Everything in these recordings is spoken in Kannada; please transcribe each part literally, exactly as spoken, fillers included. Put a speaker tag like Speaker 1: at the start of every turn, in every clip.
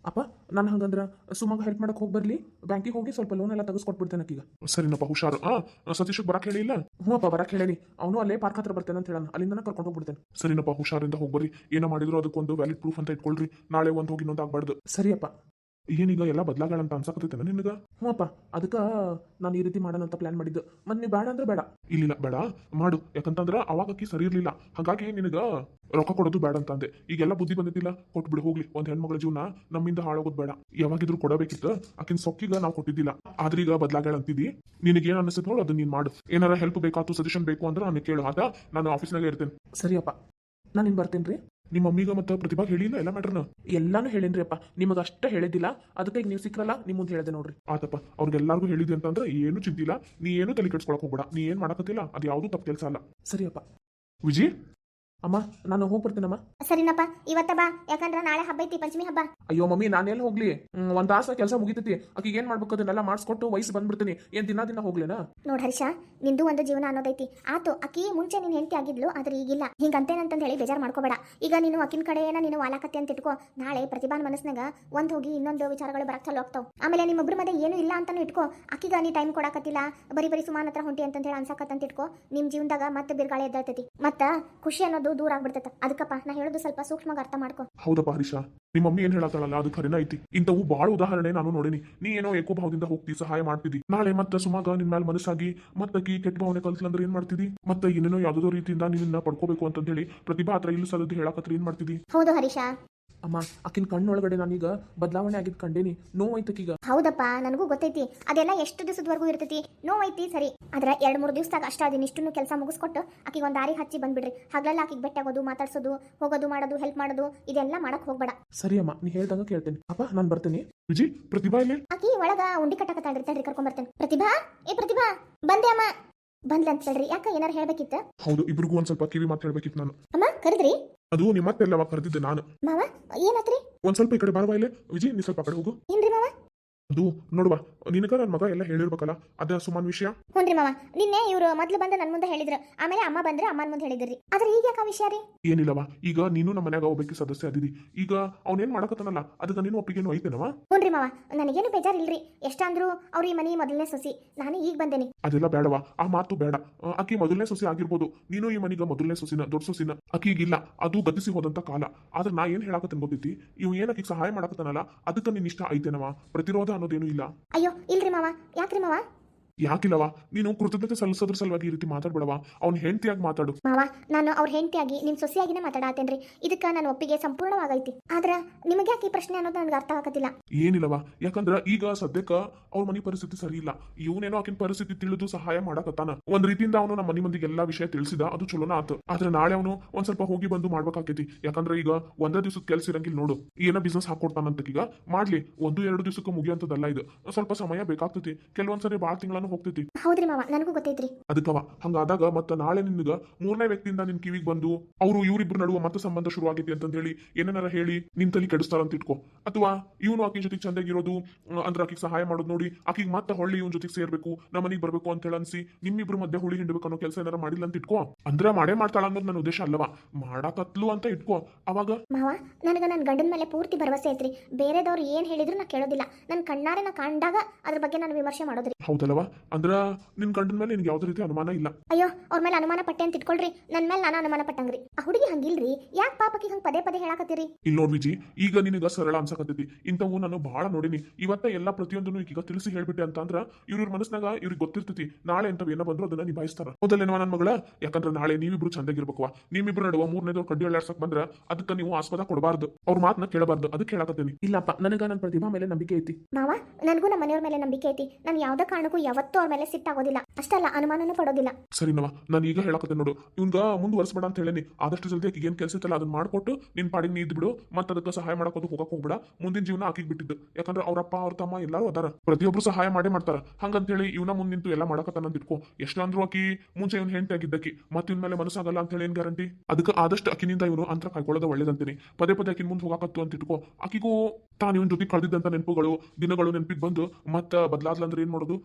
Speaker 1: ಅಪ್ಪ ನಾನು ಹಂಗಂದ್ರೆ ಸುಮಂಗ ಹೆಲ್ಪ್ ಮಾಡಕ್ಕೆ ಹೋಗಿ ಬರ್ಲಿ, ಬ್ಯಾಂಕಿಗೆ ಹೋಗಿ ಸ್ವಲ್ಪ ಲೋನ್ ಎಲ್ಲ ತೆಗೆಸ್ಕೊಟ್ಬಿಡ್ತೇನೆ ಆಕೀಗ.
Speaker 2: ಸರಿನಪ್ಪ, ಹುಷಾರು. ಆ ಸತೀಶ್ ಬರಕ್ ಹೇಳಿಲ್ಲ?
Speaker 1: ಹ್ಞೂ ಅಪ್ಪ, ಬರಕ್ಕೆ ಹೇಳೇನಿ. ಅವನು ಅಲ್ಲೇ ಪಾರ್ಕ್ ಹತ್ರ ಬರ್ತೇನೆ ಅಂತ ಹೇಳೋಣ, ಅಲ್ಲಿಂದ ಕರ್ಕೊಂಡು ಹೋಗ್ಬಿಡ್ತೇನೆ.
Speaker 2: ಸರಿನಪ್ಪ, ಹುಷಾರಿಂದ ಹೋಗ್ಬರ್ರಿ. ಏನೋ ಮಾಡಿದ್ರು ಅದಕ್ಕೊಂದು ವ್ಯಾಲಿಡ್ ಪ್ರೂಫ್ ಅಂತ ಇಟ್ಕೊಳ್ರಿ. ನಾಳೆ ಒಂದು ಹೋಗಿ ಇನ್ನೊಂದು ಆಗ್ಬಾರ್ದು.
Speaker 1: ಸರಿಯಪ್ಪ.
Speaker 2: ಏನೀಗ ಎಲ್ಲ ಬದಲಾಗಳಂತ ಅನ್ಸಕತ್ತೈತೆ ನಿನಗ?
Speaker 1: ಹ್ಞೂ ಅಪ್ಪ, ಅದಕ್ಕೆ ನಾನು ಈ ರೀತಿ ಮಾಡೋಣ ಅಂತ ಪ್ಲಾನ್ ಮಾಡಿದ್ದು. ಮತ್ತೆ ನೀವು ಬೇಡ ಅಂದ್ರೆ ಬೇಡ.
Speaker 2: ಇಲ್ಲಿಲ್ಲ, ಬೇಡ ಮಾಡು. ಯಾಕಂತಂದ್ರ ಅವಾಗ ಅಕ್ಕಿ ಸರಿ ಇರ್ಲಿಲ್ಲ, ಹಾಗಾಗಿ ನಿನಗ ರೊಕ್ಕ ಕೊಡೋದು ಬೇಡ ಅಂತ ಅಂದೆ. ಈಗೆಲ್ಲ ಬುದ್ಧಿ ಬಂದಿದ್ದಿಲ್ಲ, ಕೊಟ್ಬಿಡು ಹೋಗ್ಲಿ. ಒಂದ್ ಹೆಣ್ಮಗಳ ಜೀವನ ನಮ್ಮಿಂದ ಹಾಳಾಗೋದು ಬೇಡ. ಯಾವಾಗಿದ್ರು ಕೊಡಬೇಕಿತ್ತು, ಆಕಿನ ಸೊಕ್ಕಿಗ ನಾವು ಕೊಟ್ಟಿದ್ದಿಲ್ಲ. ಆದ್ರೆ ಈಗ ಬದಲಾಗಳ ಅಂತಿದ್ದಿ. ನಿನಗೇನು ಅನಿಸುತ್ತೆ ನೋಡು, ಅದನ್ನ ನೀನ್ ಮಾಡು. ಏನಾರ ಹೆಲ್ಪ್ ಬೇಕಾತು, ಸಜೆಷನ್ ಬೇಕು ಅಂದ್ರೆ ನಾನು ಕೇಳು. ಆದ ನಾನು ಆಫೀಸ್ನಾಗ ಇರ್ತೇನೆ.
Speaker 1: ಸರಿಯಪ್ಪ, ನಾನು ಇನ್ನು ಬರ್ತೀನಿ ರೀ.
Speaker 2: ನಿಮ್ಮ ಮಮ್ಮಿಗ ಮತ್ತು ಪ್ರತಿಭಾ ಹೇಳಿಲ್ಲ ಎಲ್ಲ ಮ್ಯಾಟ್ರನ?
Speaker 1: ಎಲ್ಲಾನು ಹೇಳಿನ್ರಿ ಅಪ್ಪ, ನಿಮಗೆ ಅಷ್ಟೇ ಹೇಳಿದ್ದಿಲ್ಲ. ಅದಕ್ಕೆ ಈಗ ನೀವು ಸಿಕ್ರಲ್ಲ, ನಿಮ್ಮ ಮುಂದೆ ಹೇಳಿದೆ ನೋಡ್ರಿ.
Speaker 2: ಆತಪ್ಪ, ಅವ್ರಿಗೆಲ್ಲರಿಗೂ ಹೇಳಿದ್ದೆ ಅಂತಂದ್ರೆ ಏನು ಚಿಂತಿಲ್ಲ. ನೀ ಏನು ತಲೆ ಕೆಡ್ಸ್ಕೊಳಕ್ ಹೋಗ್ಬೇಡ. ನೀ ಏನ್ ಮಾಡಕತ್ತಿಲ್ಲ ಅದು ಯಾವ್ದು ತಪ್ಪು ಕೆಲಸ ಅಲ್ಲ.
Speaker 1: ಸರಿಯಪ್ಪ.
Speaker 2: ವಿಜಿ,
Speaker 1: ಅಮ್ಮ ನಾನು ಹೋಗಿ ಬರ್ತೀನಮ್ಮ.
Speaker 3: ಸರಿನಪ್ಪ, ಇವತ್ತ ಬಾ, ಯಾಕಂದ್ರ ನಾಳೆ ಹಬ್ಬ ಐತಿ, ಪಂಚಮಿ ಹಬ್ಬ.
Speaker 1: ಅಯ್ಯೋ ಮಮ್ಮಿ, ನಾನೆಲ್ಲ ಹೋಗ್ಲಿ? ಹ್ಮ್, ಒಂದ್ ತಾಸ ಕೆಲಸ ಮುಗಿತೈತಿ. ಆಕಿಗೆ ಏನ್ ಮಾಡ್ಬೇಕು ಅದನ್ನೆಲ್ಲ ಮಾಡಿಸ್ಕೊಟ್ಟು ವಯಸ್ಸು ಬಂದ್ಬಿಡ್ತೀನಿ. ಏನ್ ದಿನ ದಿನ ಹೋಗ್ಲೇನಾ?
Speaker 3: ನೋಡ್ ಹರ್ಷ, ನಿಂದು ಒಂದು ಜೀವನ ಅನ್ನೋದೈತಿ. ಆತು, ಅಕ್ಕಿ ಮುಂಚೆ ನೀನ್ ಹೆಂಡತಿ ಆಗಿದ್ಲು, ಆದ್ರೆ ಈಗಿಲ್ಲ. ಹಿಂಗಂತೇನಂತ ಹೇಳಿ ಬೇಜಾರ್ ಮಾಡ್ಕೋಬೇಡ. ಈಗ ನೀನು ಅಕ್ಕಿನ ಕಡೆ ಏನ ನೀನು ವಾಲಾಕತ್ತಿ ಅಂತ ಇಟ್ಕೋ. ನಾಳೆ ಪ್ರತಿಭಾನ್ ಮನಸ್ನಾಗ ಒಂದ್ ಹೋಗಿ ಇನ್ನೊಂದು ವಿಚಾರಗಳು ಬರಕ್ ಚಾಲು ಆಗ್ತಾವ. ಆಮೇಲೆ ನಿಮ್ಮೊಬ್ರ ಮಧ್ಯೆ ಏನು ಇಲ್ಲ ಅಂತಾನು ಇಟ್ಕೋ. ಅಕ್ಕಿಗ ನೀ ಟೈಮ್ ಕೊಡಾಕತ್ತಿಲ್ಲ, ಬರೀ ಬರೀ ಸುಮಾನ್ ಹತ್ರ ಹೊಂಟಿ ಅಂತ ಹೇಳಿ ಅನ್ಸಕತ್ತಂತ ಇಟ್ಕೋ. ನಿಮ್ ಜೀವನದಾಗ ಮತ್ತೆ ಬಿರ್ಗಾಳಿ ಎದ್ದಾಳ್ತೈತಿ, ಮತ್ತ ಖುಷಿ ಅನ್ನೋದು ದೂರ ಆಗ್ಬಿಡ್ತೈತ. ಅದಕ್ಕಪ್ಪ ನಾ ಹೇಳೋದು ಸ್ವಲ್ಪ ಸೂಕ್ಷ್ಮವಾಗಿ ಅರ್ಥ ಮಾಡ್ಕೋ.
Speaker 2: ಹೌದಪ್ಪ ಹರೀಶ, ನಿಮ್ಮ ಮಮ್ಮಿ ಏನ್ ಹೇಳತ್ತಾಳಲ್ಲ ಅದು ಖರೇನ ಐತಿ. ಇಂಥವು ಬಾಳ ಉದಾಹರಣೆ ನಾನು ನೋಡಿನಿ. ನೀ ಏನೋ ಏಕೋ ಭಾವದಿಂದ ಹೋಗ್ತಿ, ಸಹಾಯ ಮಾಡ್ತಿದ್ದಿ. ನಾಳೆ ಮತ್ತೆ ಸುಮಾಗ ನಿನ್ ಮೇಲೆ ಮನಸ್ಸಾಗಿ ಮತ್ತಕಿ ಕೆಟ್ಟ ಭಾವನೆ ಕಲ್ಸ್ಲಂದ್ರೆ ಏನ್ ಮಾಡ್ತಿದ್ದಿ? ಮತ್ತೆ ಏನೇನೋ ಯಾವ್ದೋ ರೀತಿಯಿಂದ ನಿನ್ನ ಪಡ್ಕೋಬೇಕು ಅಂತ ಹೇಳಿ ಪ್ರತಿಭಾ ಹತ್ರ ಇಲ್ಲ ಸಲದ್ದು ಹೇಳಕತ್ರ ಏನ್ ಮಾಡ್ತಿದ್ದಿ?
Speaker 3: ಹೌದು ಹರೀಶ.
Speaker 1: ಅಮ್ಮ, ಆಕಿನ ಕಣ್ಣೊಳಗಡೆ ನಾನೀಗ ಬದಲಾವಣೆ ಆಗಿದ್ ಕಂಡೇನಿ. ನೋವೈತಕೀಗ.
Speaker 3: ಹೌದಪ್ಪ, ನನಗೂ ಗೊತ್ತೈತಿ. ಅದೆಲ್ಲ ಎಷ್ಟು ದಿವಸದವರೆಗೂ ಇರ್ತೈತಿ, ನೋವೈತಿ ಸರಿ. ಆದ್ರೆ ಎರಡ್ ಮೂರು ದಿವಸದಾಗ ಅಷ್ಟ ಅದನ್ನ ಇಷ್ಟನ್ನು ಕೆಲಸ ಮುಗಿಸ್ಕೊಟ್ಟು ಆಕಿಗೆ ಒಂದ್ ದಾರಿ ಹಚ್ಚಿ ಬಂದ್ಬಿಡ್ರಿ. ಹಗಲೆಲ್ಲ ಆಕಿಗೆ ಬೆಟ್ಟಾಗೋದು, ಮಾತಾಡ್ಸೋದು, ಹೋಗೋದು, ಮಾಡೋದು, ಹೆಲ್ಪ್ ಮಾಡೋದು, ಇದೆಲ್ಲ ಮಾಡಕ್ ಹೋಗ್ಬೇಡ.
Speaker 1: ಸರಿ ಅಮ್ಮ, ನೀ ಹೇಳ್ದಂಗ ಕೇಳ್ತೇನೆ. ಅಪ್ಪ ನಾನು ಬರ್ತೀನಿ.
Speaker 2: ವಿಜಿ, ಪ್ರತಿಭಾ ಇಲ್ಲಿ?
Speaker 3: ಆಕಿ ಒಳಗ ಉಂಡಿ ಕಟ್ಟಕತ್ತಾಳ್ರಿ, ಕರ್ಕೊಂಡ್ ಬರ್ತೇನೆ. ಪ್ರತಿಭಾ, ಏ ಪ್ರತಿಭಾ, ಬಂದೆ ಅಮ್ಮ. ಬಂದ್ಲ ಅಂತ ಹೇಳ್ರಿ. ಯಾಕ ಏನಾರ ಹೇಳ್ಬೇಕಿತ್ತ?
Speaker 2: ಹೌದು, ಇಬ್ರಿಗೂ ಒಂದ್ ಸ್ವಲ್ಪ ಕಿವಿ ಮಾತು ಹೇಳ್ಬೇಕಿತ್ತು ನಾನು.
Speaker 3: ಅಮ್ಮ ಕರೆದ್ರಿ?
Speaker 2: ಅದು ನಿಮ್ಮ ಮತ್ತೆಲ್ಲವ ಕರೆದಿದ್ದೆ ನಾನು.
Speaker 3: ಮಾವ ಏನಾತ್ರಿ?
Speaker 2: ಒಂದ್ ಸ್ವಲ್ಪ ಈ ಕಡೆ ಬಾರವಾ ಇಲ್ಲೇ. ವಿಜಿ, ನೀ ಸ್ವಲ್ಪ ಆ ಕಡೆ ಹೋಗು.
Speaker 3: ಏನ್ರಿ ಮಾವ?
Speaker 2: ಅದು ನೋಡುವ, ನಿನಗ ನನ್ನ ಮಗ ಎಲ್ಲ ಹೇಳಿರ್ಬೇಕಲ್ಲ, ಅದ ಸುಮಾನ್ ವಿಷಯ.
Speaker 3: ಹ್ಞೂನ್ರಿ ಮಾವ, ನಿನ್ನೆ ಇವ್ರು ಮೊದ್ಲು ಬಂದು ನನ್ನ ಮುಂದೆ ಹೇಳಿದ್ರು, ಆಮೇಲೆ ಅಮ್ಮ ಬಂದ್ರೆ ಅಮ್ಮನ ಮುಂದೆ ಹೇಳಿದ್ರಿ. ಆದ್ರೆ ಈಗ ಯಾಕ ವಿಷಯ ರೀ?
Speaker 2: ಏನಿಲ್ಲವ, ಈಗ ನೀನು ನಮ್ಮ ಮನ್ಯಾಗ ಒಬ್ಬಕ್ಕೆ ಸದಸ್ಯ ಅದಿದಿ. ಈಗ ಅವನೇನ್ ಮಾಡಕತ್ತಾನಲ್ಲ, ಅದಕ್ಕೆ ನೀನು ಒಪ್ಪಿಗೆನು ಐತೇನವ?
Speaker 3: ಹ್ಞೂನ್ರಿ ಮಾವ, ನನಗೇನು ಬೇಜಾರಿಲ್ರಿ. ಎಷ್ಟಂದ್ರು ಅವ್ರ ಈ ಮನಿ ಮೊದಲನೇ ಸೊಸಿ, ನಾನು ಈಗ ಬಂದೇನಿ.
Speaker 2: ಅದೆಲ್ಲ ಬೇಡವಾ, ಆ ಮಾತು ಬೇಡ. ಆಕಿ ಮೊದಲನೇ ಸೊಸಿ ಆಗಿರ್ಬೋದು, ನೀನು ಈ ಮನಿಗ ಮೊದಲನೇ ಸೊಸಿನ, ದೊಡ್ಡ ಸೊಸಿನ. ಆಕಿಗಿಲ್ಲ, ಅದು ಗತಿಸಿ ಹೋದಂತ ಕಾಲ. ಆದ್ರೆ ನಾ ಏನ್ ಹೇಳಕತ್ತೇನೆ ಗೊತ್ತೈತಿ, ಇವ್ ಏನ್ ಆಕಿಗೆ ಸಹಾಯ ಮಾಡಕತ್ತಾನಲ್ಲ, ಅದಕ್ಕೆ ನಿನ್ ಇಷ್ಟ ಐತೇನವ? ಪ್ರತಿರೋಧ ಅನ್ನೋದೇನು ಇಲ್ಲ.
Speaker 3: ಅಯ್ಯೋ ಇಲ್ರಿ ಮಾವ, ಯಾಕ್ರಿ ಮಾವ?
Speaker 2: ಯಾಕಿಲ್ಲವಾ, ನೀನು ಕೃತಜ್ಞತೆ ಸಲ್ಲಿಸೋದ್ರ ಸಲುವಾಗಿ ಈ ರೀತಿ ಮಾತಾಡ್ಬೇಡವಾ. ಅವ್ನ ಹೆಂಡತಿಯಾಗಿ ಮಾತಾಡು.
Speaker 3: ಮಾವ, ನಾನು ಅವ್ರ ಹೆಂಡತಿಯಾಗಿ ನಿಮ್ ಸೊಸೆಯಾಗಿನೇ ಮಾತಾಡತ್ತೇನ್ರಿ. ಇದಕ್ಕ ನನ್ನ ಒಪ್ಪಿಗೆ ಸಂಪೂರ್ಣವಾಗೈತಿ. ಆದ್ರ ನಿಮಗೆ ಯಾಕೆ ಈ ಪ್ರಶ್ನೆ ಅನ್ನೋದು ನನಗೆ ಅರ್ಥ ಆಗತ್ತಿಲ್ಲ.
Speaker 2: ಏನಿಲ್ಲವಾ, ಯಾಕಂದ್ರ ಈಗ ಸದ್ಯಕ್ಕ ಅವ್ರ ಮನಿ ಪರಿಸ್ಥಿತಿ ಸರಿ ಇಲ್ಲ. ಇವನೇನೋ ಆಕಿನ ಪರಿಸ್ಥಿತಿ ತಿಳಿದು ಸಹಾಯ ಮಾಡಕತ್ತಾನ. ಒಂದ್ ರೀತಿಯಿಂದ ಅವನು ನಮ್ಮ ಮನಿ ಮಂದಿಗೆ ಎಲ್ಲಾ ವಿಷಯ ತಿಳಿಸಿದ, ಅದು ಚಲೋನ ಆತು. ಆದ್ರೆ ನಾಳೆ ಅವನು ಒಂದ್ ಸ್ವಲ್ಪ ಹೋಗಿ ಬಂದು ಮಾಡ್ಬೇಕಾಕೈತಿ. ಯಾಕಂದ್ರೆ ಈಗ ಒಂದೇ ದಿವಸದ ಕೆಲ್ಸ ಇರಂಗಿಲ್ಲ ನೋಡು. ಏನೋ ಬಿಸ್ನೆಸ್ ಹಾಕೊಡ್ತಾನಂತ ಈಗ ಮಾಡ್ಲಿ. ಒಂದು ಎರಡು ದಿವಸಕ್ಕೆ ಮುಗಿಯುವಂತದಲ್ಲ ಇದು. ಸ್ವಲ್ಪ ಸಮಯ ಬೇಕಾಗ್ತೈತಿ. ಕೆಲವೊಂದ್ಸರಿ ಬಾಳ ತಿಂಗಳ ಹೋಗ್ತೈತಿ.
Speaker 3: ಹೌದ್ರಿ ಮಾವ, ನನಗೂ ಗೊತ್ತೈತ್ರಿ.
Speaker 2: ಅದಕ್ಕವ ಹಂಗಾದಾಗ ಮತ್ತ ನಾಳೆ ನಿನ್ಗ ಮೂರನೇ ವ್ಯಕ್ತಿಯಿಂದ ನಿನ್ ಕಿವಿಗೆ ಬಂದು ಅವರು ಇವ್ರಿಬ್ರು ನಡುವ ಮತ್ತೆ ಸಂಬಂಧ ಶುರು ಆಗೈತಿ ಅಂತ ಹೇಳಿ ಏನಾರ ಹೇಳಿ ನಿನ್ ತಲೆ ಕೆಡಿಸ್ತಾರ ಅಂತ ಇಟ್ಕೋ. ಅಥವಾ ಇವನು ಆಕಿ ಜೊತೆಗೆ ಚಂದಾಗಿರೋದು ಅಂದ್ರೆ ಆಕಿಗೆ ಸಹಾಯ ಮಾಡೋದು ನೋಡಿ ಆಕಿಗೆ ಮತ್ತೆ ಹೊಳ್ಳಿ ಇವನ್ ಜೊತೆಗೆ ಸೇರ್ಬೇಕು, ನಮ್ಮ ಮನೆಗೆ ಬರ್ಬೇಕು ಅಂತ ಹೇಳಿ ಅನ್ಸಿ ನಿಮ್ಮಿಬ್ರು ಮಧ್ಯೆ ಹುಳಿ ಹಿಂಡ್ಬೇಕು ಅನ್ನೋ ಕೆಲಸ ಏನಾರ ಮಾಡಿಲ್ಲ ಅಂತ ಇಟ್ಕೋ. ಅಂದ್ರೆ ಮಾಡೇ ಮಾಡ್ತಾಳ ಅನ್ನೋದು ನನ್ನ ಉದ್ದೇಶ ಅಲ್ಲವಾ, ಮಾಡಾಕತ್ಲು ಅಂತ ಇಟ್ಕೋ. ಅವಾಗ
Speaker 3: ಮಾವ, ನನಗ ನನ್ನ ಗಂಡನ ಮೇಲೆ ಪೂರ್ತಿ ಭರವಸೆ ಐತ್ರಿ. ಬೇರೆದವ್ರು ಏನ್ ಹೇಳಿದ್ರು ನಾ ಕೇಳೋದಿಲ್ಲ. ನನ್ನ ಕಣ್ಣಾರೆ ನಾ ಕಂಡಾಗ ಅದ್ರ ಬಗ್ಗೆ ನಾನು ವಿಮರ್ಶೆ ಮಾಡೋದ್ರಿ.
Speaker 2: ಹೌದಲ್ವಾ? ಅಂದ್ರ ನಿನ್ ಗಂಡನ ಮೇಲೆ ನಿನ್ಗೆ ಯಾವ್ದೇ ರೀತಿ ಅನುಮಾನ ಇಲ್ಲ?
Speaker 3: ಅಯ್ಯೋ, ಅವ್ರ ಮೇಲೆ ಅನುಮಾನ ಪಟ್ಟೆ ಅಂತ ಇಟ್ಕೊಳ್ರಿ. ನನ್ ಮೇಲೆ ನಾನು ಅನುಮಾನ ಪಟ್ಟಂಗ್ರಿ. ಆ ಹುಡುಗಿ ಹಂಗಿಲ್ರಿ. ಯಾಕೆ ಪಾಪಕ್ಕೆ ಹಂಗ ಪದೇ ಪದೇ ಹೇಳಾಕತ್ತೀರಿ?
Speaker 2: ಇಲ್ಲಿ ನೋಡ್ ವಿಜಿ, ಈಗ ನಿನಗ ಸರಳ ಅನ್ಸಕತ್ತೈತಿ. ಇಂಥವು ನಾನು ಬಹಳ ನೋಡಿನಿ. ಇವತ್ತ ಎಲ್ಲಾ ಪ್ರತಿಯೊಂದನ್ನು ಈಗ ತಿಳಿಸಿ ಹೇಳ್ಬಿಟ್ಟೆ ಅಂತ ಅಂದ್ರ ಇವ್ರ ಮನಸ್ನಾಗ ಇವ್ರಿಗೆ ಗೊತ್ತಿರ್ತೈತಿ ನಾಳೆ ಅಂತ ಏನೋ ಬಂದ್ರು ಅದನ್ನ ನಿಭಾಯಿಸ್ತಾರ. ಹೌದಲ್ಲೇನವ ನನ್ ಮಗಳ? ಯಾಕಂದ್ರೆ ನಾಳೆ ನೀವಿಬ್ರು ಚಂದಾಗಿರ್ಬೇಕವಾ. ನಿಮ್ಮಿಬ್ರು ನಡುವ ಮೂರನೇದವ್ರು ಕಡ್ಡಿ ಅಳ್ಳಾಡ್ಸಕ್ ಬಂದ್ರ ಅದಕ್ಕೆ ನೀವು ಆಸ್ಪದ ಕೊಡಬಾರ್ದು, ಅವ್ರ ಮಾತನ್ನ ಕೇಳಬಾರ್ದು. ಅದಕ್ಕೆ ಹೇಳಕತ್ತೀನಿ.
Speaker 1: ಇಲ್ಲಪ್ಪ, ನನಗ ನನ್ನ ಪ್ರತಿಭಾ ಮೇಲೆ ನಂಬಿಕೆ ಐತಿ.
Speaker 3: ಮಾವ, ನನಗೂ ನಮ್ಮ ಮನೆಯವ್ರ ಮೇಲೆ ನಂಬಿಕೆ ಐತಿ. ನಾನು ಯಾವ್ದೇ ಕಾರಣಕ್ಕೂ ಯಾವತ್ತೂ ಅವ್ರ ಮೇಲೆ ಸಿಟ್ಟಾಗೋದಿಲ್ಲ. ಅಷ್ಟಲ್ಲ, ಅನುಮಾನನೂ ಪಡೋದಿಲ್ಲ.
Speaker 2: ಸರಿನವ, ನಾನು ಈಗ ಹೇಳಕತ್ತೆ ನೋಡು, ಇವ್ಗ ಮುಂದುವರ್ಸ್ಬೇಡ ಅಂತ ಹೇಳೇನಿ. ಆದಷ್ಟು ಜಲ್ದಿ ಆಕಿಗೆ ಏನ್ ಕೆಲಸ ಇತ್ತಲ್ಲ ಅದನ್ನ ಮಾಡ್ಕೊಟ್ಟು ನಿನ್ ಪಾಡಿಗೆ ನೀ ಇದ್ಬಿಡು. ಮತ್ತೆ ಅದಕ್ಕೆ ಸಹಾಯ ಮಾಡಕೋದು ಹೋಗಕ್ ಹೋಗ್ಬಿಡ. ಮುಂದಿನ ಜೀವನ ಆಕಿಗೆ ಬಿಟ್ಟಿದ್ದು. ಯಾಕಂದ್ರೆ ಅವ್ರಪ್ಪ ಅವ್ರ ತಮ್ಮ ಎಲ್ಲಾರು ಅದಾರ, ಪ್ರತಿಯೊಬ್ರು ಸಹಾಯ ಮಾಡೇ ಮಾಡ್ತಾರ. ಹಂಗಂತ ಹೇಳಿ ಇವನ ಮುಂದ್ ನಿಂತು ಎಲ್ಲ ಮಾಡಕತ್ತಾನ ಅಂತ ಇಟ್ಕೋ. ಎಷ್ಟಂದ್ರು ಆಕಿ ಮುಂಚೆ ಇವ್ನ ಹೆಂಡತಿ ಆಗಿದ್ದಕ್ಕಿ ಮತ್ತೆ ಇವ್ನ ಮೇಲೆ ಮನಸ್ಸಾಗಲ್ಲ ಅಂತ ಹೇಳಿ ಏನ್ ಗ್ಯಾರಂಟಿ? ಅದಕ್ಕೆ ಆದಷ್ಟು ಅಕಿನಿಂದ ಇವನು ಅಂತರ ಕಾಯ್ಕೊಳ್ಳೋದು ಒಳ್ಳೇದಂತೀನಿ. ಪದೇ ಪದೇ ಆಕಿನ ಮುಂದೆ ಹೋಗಾಕತ್ತು ಅಂತ ಇಟ್ಕೋ. ಆಕಿಗೂ ತಾನು ಇವನ್ ಜೊತೆ ಕಳೆದಿದ್ದಂತ ನೆನಪುಗಳು ದಿನಗಳು ನೆನಪಿಗೆ ಬಂದು ಮತ್ತೆ ಬದಲಾದ್ಲಂದ್ರೆ ಏನ್ ಮಾಡೋದು? ಅದಕ್ಕವ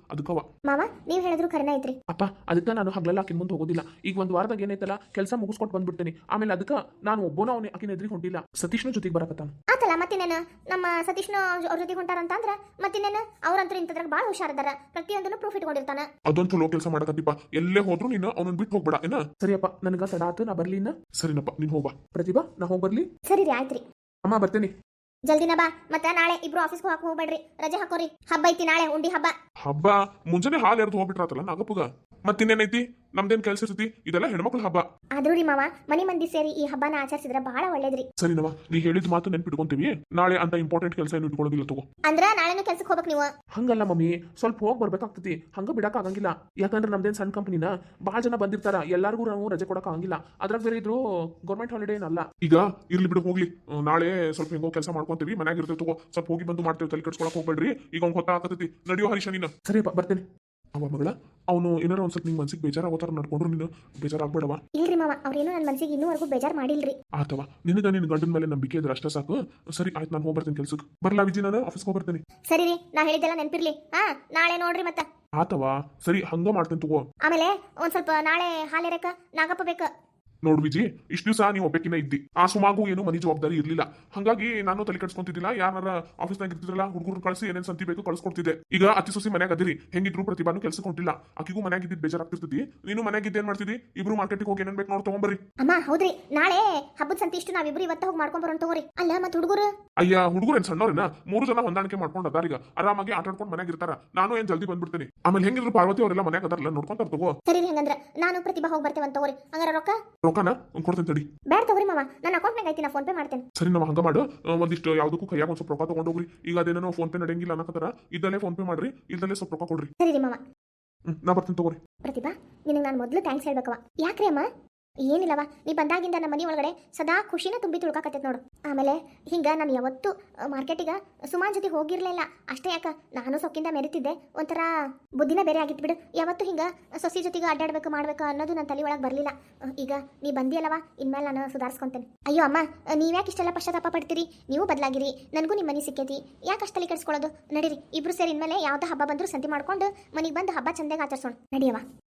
Speaker 3: ಮಾವ ನೀವ್ ಹೇಳಿದ್ರು ಖರೇನ ಐತ್ರಿ.
Speaker 1: ಅಪ್ಪ ಅದಕ್ಕೆ ನಾನು ಹಗಲೆಲ್ಲ ಆಕಿನ ಮುಂದೆ ಹೋಗೋದಿಲ್ಲ. ಈಗ ಒಂದು ವಾರದಾಗ ಏನೈತಲ್ಲ ಕೆಲಸ ಮುಗಿಸ್ಕೊಟ್ಟು ಬಂದ್ಬಿಡ್ತೀನಿ. ಆಮೇಲೆ ಅದಕ್ಕೆ ನಾನು ಒಬ್ಬನ ಅವನೇ ಆಕಿನ ಎದುರಿಗೆ ಹೊಂಟಿಲ್ಲ, ಸತೀಶ್ನ ಜೊತೆಗೆ ಬರಕತ್ತಾನ.
Speaker 3: ಆತಲ್ಲ ಮತ್ತಿನೇನು ನಮ್ಮ ಸತೀಶ್ನ ಅವ್ರ ಜೊತೆಗೆ ಹೊಂಟಾರಂತ ಅಂದ್ರ ಮತ್ತಿನೇನು ಅವ್ರಂತೂ ಇಂಥದ್ರಾಗ ಭಾಳ ಹುಷಾರದಾರ, ಪ್ರತಿಯೊಂದನ್ನು ಪ್ರೂಫ್ ಇಟ್ಕೊಂಡಿರ್ತಾನ.
Speaker 2: ಅದೊಂದು ಚಲೋ ಕೆಲಸ ಮಾಡಕತ್ತಿಪ್ಪ. ಎಲ್ಲೇ ಹೋದ್ರು ನೀನು ಅವನನ್ನ ಬಿಟ್ಟು ಹೋಗ್ಬೇಡ ಏನ.
Speaker 1: ಸರಿಯಪ್ಪ, ನನಗ ತಡ ಆತು, ನಾ ಬರ್ಲಿ ಇನ್ನ.
Speaker 2: ಸರಿನಪ್ಪ, ನೀನ್ ಹೋಗ್ಬಾ.
Speaker 1: ಪ್ರತಿಭಾ, ನಾ ಹೋಗಿ ಬರ್ಲಿ.
Speaker 3: ಸರಿ ರೀ, ಆಯ್ತ್ರಿ.
Speaker 1: ಅಮ್ಮ ಬರ್ತೇನೆ.
Speaker 3: ಜಲ್ದಿನ ಬಾ. ಮತ್ತೆ ನಾಳೆ ಇಬ್ರು ಆಫೀಸ್ಗೆ ಹೋಗಕ್ ಹೋಗ್ಬೇಡ್ರಿ, ರಜೆ ಹಾಕೋರಿ. ಹಬ್ಬ ಐತಿ ನಾಳೆ, ಉಂಡಿ ಹಬ್ಬ.
Speaker 2: ಹಬ್ಬ ಮುಂಜಾನೆ ಹಾಲು ಎರ್ದು ಹೋಗ್ಬಿಟ್ರಾತಲ್ಲ ನಾಗಪ್ಪಗ. ಮತ್ತಿನ್ನೇನೈತಿ, ನಮ್ದೇನ್ ಕೆಲ್ಸ ಇರ್ತೈತಿ, ಇದೆಲ್ಲ ಹೆಣ್ಮಕ್ಳ ಹಬ್ಬ.
Speaker 3: ಆದ್ರೂ ರೀ ಮಾವ, ಮನಿ ಮಂದಿ ಸೇರಿ ಈ ಹಬ್ಬನ ಆಚರಿಸಿದ್ರೆ ಬಹಳ ಒಳ್ಳೇದ್ರಿ.
Speaker 2: ಸರಿನವ, ನೀ ಹೇಳಿದ ಮಾತು ನೆನ್ಪಿಟ್ಕೊಂತೀವಿ. ನಾಳೆ ಅಂತ ಇಂಪಾರ್ಟೆಂಟ್ ಕೆಲಸ ಏನು ಇಟ್ಕೊಳ್ಳೋದಿಲ್ಲ ತಗೋ.
Speaker 3: ಅಂದ್ರ ನಾಳೆನೂ ಕೆಲ್ಸಕ್ಕೆ ಹೋಗ್ಬೇಕು ನೀವು.
Speaker 1: ಹಂಗಲ್ಲ ಮಮ್ಮಿ, ಸ್ವಲ್ಪ ಹೋಗಿ ಬರ್ಬೇಕಾಗ್ತತಿ. ಹಂಗ ಬಿಡಕ್ ಆಗಂಗಿಲ್ಲ. ಯಾಕಂದ್ರೆ ನಮ್ದೇನ್ ಸಣ್ಣ ಕಂಪನಿನ ಭಾಳ ಜನ ಬಂದಿರ್ತಾರ, ಎಲ್ಲಾರ್ಗೂ ನಾವು ರಜೆ ಕೊಡಕ್ ಆಗಂಗಿಲ್ಲ. ಅದ್ರಾಗ ಬೇರೆ ಇದ್ರು ಗೌರ್ಮೆಂಟ್ ಹಾಲಿಡೇ ಏನಲ್ಲ.
Speaker 2: ಈಗ ಇರ್ಲಿ ಬಿಡು, ಹೋಗ್ಲಿ. ನಾಳೆ ಸ್ವಲ್ಪ ಹೆಂಗೋ ಕೆಲಸ ಮಾಡ್ಕೊಂತೀವಿ, ಮನ್ಯಾಗ ಇರ್ತೇವೆ ತಗೋ. ಸ್ವಲ್ಪ ಹೋಗಿ ಬಂದು ಮಾಡ್ತೇವೆ, ತಲೆ ಕೆಡ್ಸ್ಕೊಳಕ್ ಹೋಗ್ಬೇಡ್ರಿ. ಈಗ ಅವ್ನು ಹೊತ್ತಾಕತೈತಿ, ನಡಿಯೋ ಹರೀಶ ನೀನು.
Speaker 1: ಸರಿಯಪ್ಪ, ಬರ್ತೇನೆ.
Speaker 2: ಅವ ಮಗಳ, ಅವನು ಏನಾರ ಒಂದ್ ಸ್ವಲ್ಪ ನಿಂಗೆ ಮನ್ಸಿಗೆ ಬೇಜಾರಾಗೋತಾರ ನಡ್ಕೊಂಡ್ರು ನೀನು ಬೇಜಾರಾಗ್ಬೇಡವ.
Speaker 3: ಇಲ್ರಿ ಮಾವ, ಅವ್ರೇನು ನನ್ನ ಮನ್ಸಿಗೆ ಇನ್ನೂವರೆಗೂ ಬೇಜಾರ್ ಮಾಡಿಲ್ರಿ.
Speaker 2: ಆತವ, ನಿನಗ ನಿನ್ ಗಂಡನ ಮೇಲೆ ನಂಬಿಕೆ ಇದ್ರೆ ಅಷ್ಟೇ ಸಾಕು. ಸರಿ ಆಯ್ತು, ನಾನು ಹೋಗ್ಬರ್ತೀನಿ ಕೆಲ್ಸಕ್ಕೆ. ಬರ್ಲಾ ವಿಜಿ, ನಾನು ಆಫೀಸ್ಗೆ ಹೋಗ್ಬರ್ತೀನಿ.
Speaker 3: ಸರಿ ರೀ, ನಾ ಹೇಳಿದ್ದೆಲ್ಲ ನೆನ್ಪಿರ್ಲಿ. ಹಾ, ನಾಳೆ ನೋಡ್ರಿ ಮತ್ತ.
Speaker 2: ಆತವ, ಸರಿ ಹಂಗ ಮಾಡ್ತೇನೆ ತಗೋ.
Speaker 3: ಆಮೇಲೆ ಒಂದ್ ಸ್ವಲ್ಪ ನಾಳೆ ಹಾಲೆರಕ ನಾಗಪ್ಪ ಬೇಕ.
Speaker 2: ನೋಡ್ ವಿಜಿ, ಇಷ್ಟು ದಿವಸ ನೀವು ಒಬ್ಬಕಿನ ಇದ್ದಿ, ಆ ಸುಮಾಗು ಏನು ಮನಿ ಜವಾಬ್ದಾರಿ ಇರ್ಲಿಲ್ಲ. ಹಂಗಾಗಿ ನಾನು ತಲೆ ಕೆಡ್ಸ್ಕೊಂತಿದ್ದಿಲ್ಲ. ಯಾರ ಆಫೀಸ್ನಾಗ ಇರ್ತಿದ್ರಲ್ಲ ಹುಡುಗರು ಕಳಿಸಿ ಏನೇನ್ ಸಂತಿ ಬೇಕು ಕಳ್ಸ್ಕೊಡ್ತಿದ್ದೆ. ಈಗ ಅತಿ ಸೊಸಿ ಮನ್ಯಾಗ ಅದಿರಿ, ಹೆಂಗಿದ್ರು ಪ್ರತಿಭಾನು ಕೆಲ್ಸಕ್ಕೆ ಹೊಂಟಿಲ್ಲ. ಆಕಿಗೂ ಮನ್ಯಾಗ ಇದ್ದಿದ್ದು ಬೇಜಾರಾಗ್ತಿರ್ತಿದ್ದಿ. ನೀನು ಮನ್ಯಾಗ ಇದ್ದೇನ್ ಮಾಡ್ತಿದ್ದಿ, ಇಬ್ರು ಮಾರ್ಕೆಟಿಗೆ ಹೋಗಿ ಏನೇನ್ ಬೇಕು ನೋಡಿ ತಗೊಂಬರ್ರಿ.
Speaker 3: ಅಮ್ಮ ಹೌದ್ರಿ, ನಾಳೆ ಹಬ್ಬದ ಸಂತಿ ಇಷ್ಟು ನಾವಿಬ್ರು ಇವತ್ತ ಹೋಗಿ ಮಾಡ್ಕೊಂಡ್ ಬರೋಣ ತಗೋರಿ. ಅಲ್ಲ ಮತ್ ಹುಡುಗರು
Speaker 2: ಅಯ್ಯ, ಹುಡುಗರು ಏನ್ ಸಣ್ಣವ್ರೇನ, ಮೂರು ಜನ ಹೊಂದಾಣಿಕೆ ಮಾಡ್ಕೊಂಡು ಅದಾರ. ಈಗ ಆರಾಮಾಗಿ ಆಟ ಆಡ್ಕೊಂಡು ಮನ್ಯಾಗ ಇರ್ತಾರ. ನಾನು ಏನ್ ಜಲ್ದಿ ಬಂದ್ಬಿಡ್ತೀನಿ. ಆಮೇಲೆ ಹೆಂಗಿದ್ರು ಪಾರ್ವತಿ ಅವರೆಲ್ಲ ಮನ್ಯಾಗ ಅದಾರಲ್ಲ, ನೋಡ್ಕೊಂತಾರ ತಗೋ.
Speaker 3: ಸರಿ ಹಂಗಂದ್ರ ನಾನು ಪ್ರತಿಭಾ ಹೋಗಿ ಬರ್ತೇವೆ ಅಂತ ತಗೋರಿ. ಹಂಗಾರ ರೊಕ್ಕ
Speaker 2: ರೊಕ್ಕನ ಕೊಡ್ತೇನೆ ತಡಿ.
Speaker 3: ಬ್ಯಾಡ ತಗೋರಿ ಮಾವ, ನನ್ನ ಅಕೌಂಟ್ನಾಗ ಐತಿ, ನಾ ಫೋನ್ ಪೇ ಮಾಡ್ತೇನೆ.
Speaker 2: ಸರಿ, ನಾವು ಹಂಗ ಮಾಡು. ಒಂದಿಷ್ಟು ಯಾವ್ದಕ್ಕೂ ಕೈಯಾಗ ಒಂದ್ ಸ್ವಲ್ಪ ರೊಕ್ಕ ತಗೊಂಡೋಗ್ರಿ. ಈಗ ಅದೇನೋ ಫೋನ್ ಪೇ ನಡೆಯಂಗಿಲ್ಲ ಅನ್ನಕತ್ತಾರ. ಇದ್ದಲ್ಲೇ ಫೋನ್ ಪೇ ಮಾಡ್ರಿ, ಇದ್ದಲ್ಲೇ ಸ್ವಲ್ಪ ರೊಕ್ಕ ಕೊಡ್ರಿ.
Speaker 3: ಸರಿ ರೀ ಮಾವ.
Speaker 2: ಹ್ಮ್, ನಾ ಬರ್ತೀನಿ ತಗೋರಿ.
Speaker 3: ಪ್ರತಿಭಾ, ನಿನಗೆ ನಾನು ಮೊದಲು ಥ್ಯಾಂಕ್ಸ್ ಹೇಳ್ಬೇಕವ. ಯಾಕ್ರಿ ಅಮ್ಮ? ಏನಿಲ್ಲವ, ನೀ ಬಂದಾಗಿಂದ ನಮ್ಮ ಮನೆ ಒಳಗಡೆ ಸದಾ ಖುಷಿನ ತುಂಬಿ ತುಳ್ಕಾಕತ್ತೈತೆ ನೋಡು. ಆಮೇಲೆ ಹಿಂಗ ನಾನು ಯಾವತ್ತು ಮಾರ್ಕೆಟಿಗೆ ಸುಮಾನ್ ಜೊತೆ ಹೋಗಿರ್ಲಿಲ್ಲ. ಅಷ್ಟೇ ಯಾಕ, ನಾನು ಸೊಕ್ಕಿಂದ ಮೆರಿತಿದ್ದೆ. ಒಂಥರ ಬುದ್ಧಿನ ಬೇರೆ ಆಗಿತ್ತು ಬಿಡು. ಯಾವತ್ತು ಹಿಂಗ ಸೊಸಿ ಜೊತೆಗೆ ಅಡ್ಡಾಡ್ಬೇಕು ಮಾಡ್ಬೇಕು ಅನ್ನೋದು ನನ್ನ ತಲೆ ಒಳಗೆ ಬರಲಿಲ್ಲ. ಈಗ ನೀ ಬಂದಿಯಲ್ಲವ, ಇನ್ಮೇಲೆ ನಾನು ಸುಧಾರಿಸ್ಕೊಂತೇನೆ. ಅಯ್ಯೋ ಅಮ್ಮ, ನೀವ್ಯಾಕೆ ಇಷ್ಟೆಲ್ಲ ಪಶ್ಚಾತ್ತಾಪ ಪಡ್ತೀರಿ? ನೀವು ಬದಲಾಗಿರಿ, ನನಗೂ ನಿಮ್ಮ ಮನೆ ಸಿಕ್ಕೈತಿ. ಯಾಕೆ ಅಷ್ಟು ತಲೆ ಕೆಡಿಸ್ಕೊಳ್ಳೋದು? ನಡೀರಿ, ಇಬ್ರು ಸೇರಿ ಇನ್ಮೇಲೆ ಯಾವ್ದು ಹಬ್ಬ ಬಂದರೂ ಸಂತಿ ಮಾಡ್ಕೊಂಡು ಮನೆಗೆ ಬಂದು ಹಬ್ಬ ಚಂದಾಗಿ ಆಚರಿಸೋಣ. ನಡಿಯವ.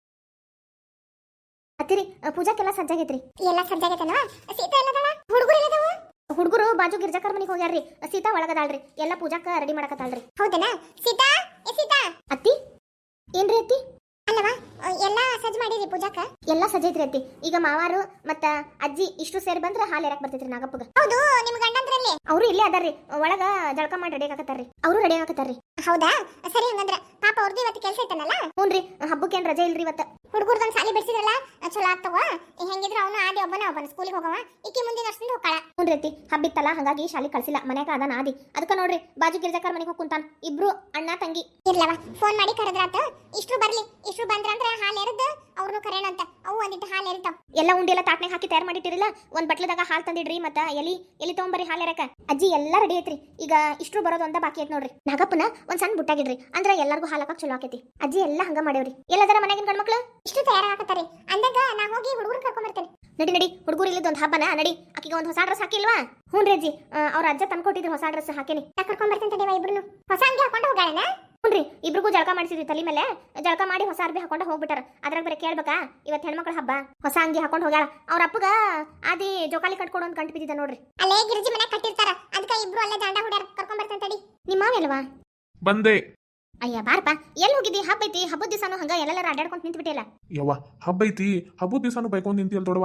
Speaker 3: ಅತ್ತಿರಿ, ಪೂಜಾಕ್ಕೆಲ್ಲ ಸಜ್ಜಾಗೈತ್ರಿ. ಎಲ್ಲ ಸಜ್ಜಾಗೈತೇನವ? ಸೀತಾ ಎಲ್ಲದವ? ಹುಡುಗರು ಎಲ್ಲದವ? ಹುಡುಗರು ಬಾಜು ಗಿರ್ಜಾಕರ್ ಮನಿಗೆ ಹೋಗ್ಯಾರ್ರಿ. ಸೀತಾ ಒಳಗದಾಳ್ರಿ, ಎಲ್ಲ ಪೂಜಾಕ ರೆಡಿ ಮಾಡಕತ್ತಾಳ್ರಿ. ಹೌದೇನಾ? ಸೀತಾ, ಏ ಸೀತಾ. ಅತ್ತಿ, ಏನ್ರಿ ಅತ್ತಿ? ಅಲ್ಲವ, ಎಲ್ಲ ಸಜ್ಜ ಮಾಡಿರಿ ಪೂಜಾಕ? ಎಲ್ಲ ಸಜ್ಜೈತ್ರಿ ಅತ್ತಿ. ಈಗ ಮಾವಾರು ಮತ್ತ ಅಜ್ಜಿ ಇಷ್ಟು ಸೇರಿ ಬಂದ್ರೆ ಹಾಲು ಎರಕ್ ಬರ್ತೈತ್ರಿ ನಾಗಪ್ಪಗ. ಹೌದು, ನಿಮ್ ಗಂಡಂದ್ರಲ್ಲಿ ಅವರು ಇಲ್ಲೇ ಅದಾರ್ರಿ, ಒಳಗ ಜಳಕ ಮಾಡಿ ರೆಡಿ ಆಗತ್ತಾರ್ರಿ. ಅವರು ರೆಡಿ ಆಗತ್ತಾರ್ರಿ. ಹೌದಾ? ಸರಿ ಹಂಗಂದ್ರ ಪಾಪ ಅವ್ರದ್ದು ಇವತ್ತು ಕೆಲಸ ಇತ್ತನಲ್ಲ? ಹ್ಞೂನ್ರಿ, ಹಬ್ಬಕ್ಕೇನ್ ರಜೆ ಇಲ್ರಿ ಇವತ್ತು. ಹುಡುಗರ್ದೊಂದು ಸಾಲಿ ಬಿಡಿಸಿದ್ರಲ್ಲ, ಚಲೋ ಆಗ್ತವ. ಹೆಂಗಿದ್ರು ಅವನು ಆದಿ ಒಬ್ಬನ ಒಬ್ಬನ ಸ್ಕೂಲಿಗೆ ಹೋಗವ, ಈಕಿ ಮುಂದಿನ ವರ್ಷದಿಂದ ಹೋಗ್ತಾಳ. ಹ್ಞೂನ್ರಿ ಅತ್ತಿ, ಹಬ್ಬಿತ್ತಲ್ಲ ಹಂಗಾಗಿ ಶಾಲಿ ಕಳ್ಸಿಲ್ಲ, ಮನ್ಯಾಗ ಅದಾನ ಆದಿ. ಅದಕ್ಕೆ ನೋಡ್ರಿ, ಬಾಜು ಗಿರ್ಜಾಕರ್ ಮನೆಗೆ ಹೋಗಿ ಕುಂತಾನ. ಇಬ್ರು ಅಣ್ಣ ತಂಗಿ. ಇರ್ಲವ, ಫೋನ್ ಮಾಡಿ ಕರೆದ್ರಾತ. ಇಷ್ಟು ಬರ್ಲಿ, ಇಷ್ಟು ಬಂದ್ರಂದ್ರ ಹಾಲು ಎರೆದು ಅವ್ರನ್ನು ಕರೆಯೋಣ ಅಂತ. ಅವು ಒಂದಿಟ್ಟು ಹಾಲು ಎರಿತಾವ. ಎಲ್ಲ ಉಂಡಿ ಎಲ್ಲ ತಾಟ್ನಾಗ ಹಾಕಿ ತಯಾರು ಮಾಡಿಟ್ಟಿರಲ್ಲ, ಒಂದ್ ಬಟ್ಲದಾಗ ಹಾಲು ತಂದಿಡ್ರಿ. ಮತ್ತ ಎಲಿ ಎಲಿ ತಗೊಂಬರಿ ಹಾಲು ಎರಕ. ಅಜ್ಜಿ ಎಲ್ಲ ರೆಡಿ ಐತ್ರಿ. ಈಗ ಇಷ್ಟು ಬರೋದು ಅಂತ ಬಾಕಿ ಐತ್ ನೋಡ್ರಿ. ನಾಗಪ್ಪನ ಒಂದ್ ಸಣ್ಣ ಬುಟ್ಟಾಗಿಡ್ರಿ, ಅಂದ್ರೆ ಎಲ್ಲರಿಗೂ ಹಾಲು ಹಾಕಕ್ ಚಲೋ ಆಕೈತಿ. ಅಜ್ಜಿ ಎಲ್ಲ ಹಂಗ ಮಾಡೇವ್ರಿ. ಎಲ್ಲದರ ಮನೆಗಿನ ಗಂಡ್ಮಕ್ಳು ಇಷ್ಟು ತಯಾರಾಗತ್ತಾರಿ. ಅಂದಾಗ ನಾ ಹೋಗಿ ಹುಡುಗರು ಕರ್ಕೊಂಡ್ ಬರ್ತೇನೆ. ನಡಿ ನಡಿ, ಹುಡುಗರು ಇಲ್ಲದ ಒಂದು ಹಬ್ಬನ ನಡಿ. ಆಕಿಗೆ ಒಂದು ಹೊಸ ಡ್ರೆಸ್ ಹಾಕಿಲ್ವಾ? ಹ್ಞೂ ರೀ ಅಜ್ಜಿ, ಅವ್ರ ಅಜ್ಜ ತಂದ್ಕೊಟ್ಟಿದ್ರು ಹೊಸ ಡ್ರೆಸ್ ಹಾಕೇನಿ. ಕರ್ಕೊಂಡ್ ಬರ್ತೇನೆ ತಡಿವಾ, ಇಬ್ರು ಹೊಸ ಅಂಗಿ ಹಾಕೊಂಡು ಹೋಗಾಳನ? ಹ್ಞೂ ರೀ, ಇಬ್ರಿಗೂ ಜಳಕ ಮಾಡಿಸಿದ್ವಿ ತಲೆ ಮೇಲೆ. ಜಳಕ ಮಾಡಿ ಹೊಸ ಅರ್ಬಿ ಹಾಕೊಂಡು ಹೋಗ್ಬಿಟ್ಟಾರ. ಅದ್ರಾಗ ಬರೀ ಕೇಳ್ಬೇಕಾ, ಇವತ್ತು ಹೆಣ್ಮಕ್ಳ ಹಬ್ಬ, ಹೊಸ ಅಂಗಿ ಹಾಕೊಂಡು ಹೋಗ್ಯಾಳ. ಅವ್ರ ಅಪ್ಪಗ ಆದಿ ಜೋಕಾಲಿ ಕಟ್ಕೊಡು ಅಂತ ಕಂಡು ಬಿದ್ದಿದ್ದ ನೋಡ್ರಿ. ಅಲ್ಲೇ ಗಿರಿಜಿ ಮನೆ ಕಟ್ಟಿರ್ತಾರ, ಅದಕ್ಕೆ ಇಬ್ರು ಅಲ್ಲೇ ದಾಂಡ ಹುಡ್ಯಾರ. ಕರ್ಕೊಂಡ್ ಬರ್ತೇನೆ ತಡಿ. ನಿಮ್ಮ ಮಾವೇಲ್ವಾ?
Speaker 2: ಬಂದೆ.
Speaker 3: ಅಯ್ಯ ಬಾರಪ್ಪ, ಎಲ್ಲಿ ಹೋಗಿದ್ದಿ? ಹಬ್ಬ ಐತಿ, ಹಬ್ಬದ ದಿವಸನು ಹಂಗ ಎಲ್ಲೆಲ್ಲ ಅಡ್ಡಾಡ್ಕೊಂತ ನಿಂತು ಬಿಟ್ಟಿಲ್ಲ.
Speaker 2: ಯವ್ವ, ಹಬ್ಬ ಐತಿ, ಹಬ್ಬದ ದಿವಸನು ಬೈಕೊಂಡ್ ನಿಂತಿಯಲ್ ದೊಡವ.